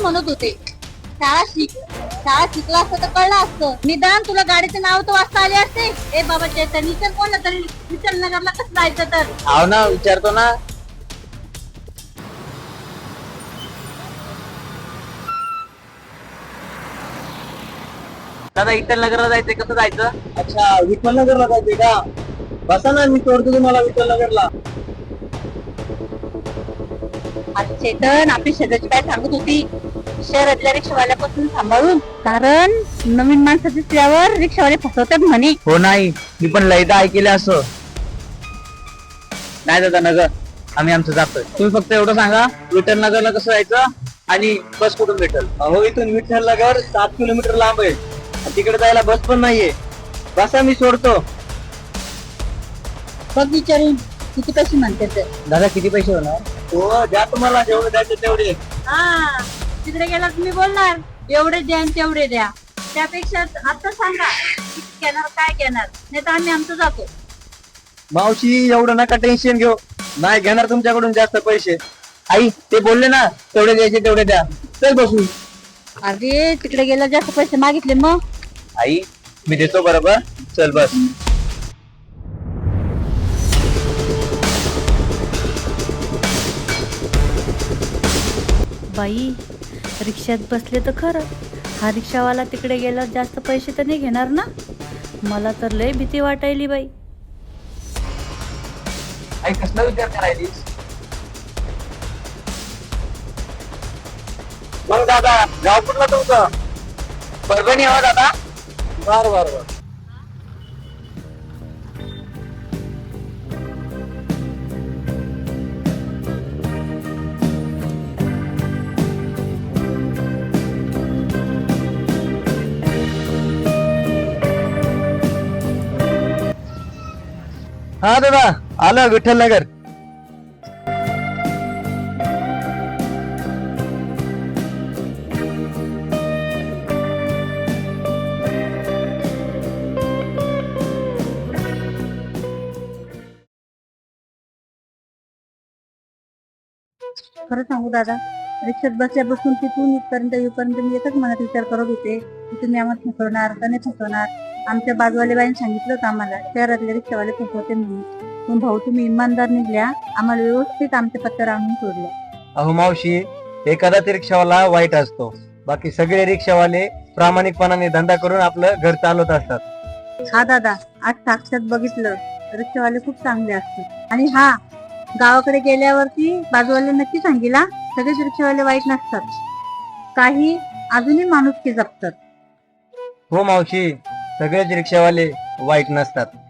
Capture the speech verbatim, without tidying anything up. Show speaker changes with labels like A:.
A: म्हणत होते. शाळा शिक शाळा शिकला असतं तर कळलं असतं. निदान तुला गाडीचे नाव तर वाचता आले असते. ए बाबा चैतन्य विचार कोणला तरी विचार नगरला कसं जायचं तर.
B: हाव ना विचारतो ना. दादा विठ्ठल नगरला जायचंय, कसं जायचं? अच्छा विठ्ठल नगरला जायचंय का? बसा ना, मी सोडतो तुम्हाला विठ्ठल नगरला.
A: आता चेतन आपली शेजारची काय सांगत होती, शहरातल्या रिक्षावाल्यापासून सांभाळून, कारण नवीन माणसं दिसल्यावर रिक्षावाले फसवतात म्हणे.
B: हो नाही, मी पण लयदा ऐकले असं. नाही दादा नगर, आम्ही आमचं जातोय. तुम्ही फक्त एवढं सांगा विठ्ठल नगरला कसं जायचं आणि बस कुठून भेटेल? अहो इथून विठ्ठल नगर सात किलोमीटर लांब आहे. तिकडे जायला बस पण नाहीये. बसा मी सोडतो.
A: बघ विचारून किती पैसे म्हणते तर.
B: दादा किती पैसे होणार? हो द्या तुम्हाला जेवढे द्यायचे तेवढे.
A: हा तिकडे गेला तुम्ही बोलणार एवढे द्या आणि तेवढे द्या. त्यापेक्षा आता सांगा किती घेणार काय घेणार, नाही तर आम्ही आमचं जातो.
B: मावशी एवढं नका टेन्शन घेऊ, नाही घेणार तुमच्याकडून जास्त पैसे. आई ते बोलले ना तेवढे द्यायचे तेवढे द्या. चल बसू.
A: अरे तिकडे गेला जास्त पैसे मागितले मग.
B: आई मी देतो बरोबर, चल बस.
C: बाई रिक्षात बसले तर खरं, हा रिक्षावाला तिकडे गेला जास्त पैसे तर नाही घेणार ना. मला तर लय भीती वाटायली बाई.
B: आई कसला विचार करायलीस? मग दादा गाव कुठला तुमचं? परभणी हवा दादा. बर बर बर. हा दादा आलं विठ्ठल नगर.
A: खरं सांगू दादा, रिक्षात बसल्यापासून तिथून इथपर्यंत येऊपर्यंत मी एकच मनात विचार करत होते की तुम्ही आम्हाला फसवणार का नाही फसवणार. आमच्या बाजूवाले बाईने सांगितलं होतं आम्हाला शहरातले रिक्षावाले फसवते म्हणून. पण भाऊ तुम्ही इमानदार निघल्या, आम्हाला व्यवस्थित आमच्या पत्त्यावर आणून सोडलं.
B: अहो मावशी, एखादा ते रिक्षावाला वाईट असतो, बाकी सगळे रिक्षावाले प्रामाणिकपणाने धंदा करून आपलं घर चालवत असतात.
A: हा दादा, आज साक्षात बघितलं, रिक्षावाले खूप चांगले असतात. आणि हा गावाकडे गेल्यावरती बाजूवाले नक्की सांगितला, सगळेच रिक्षावाले वाईट नसतात, काही अजूनही माणुसकी जपतात.
B: हो मावशी, सगळेच रिक्षावाले वाईट नसतात.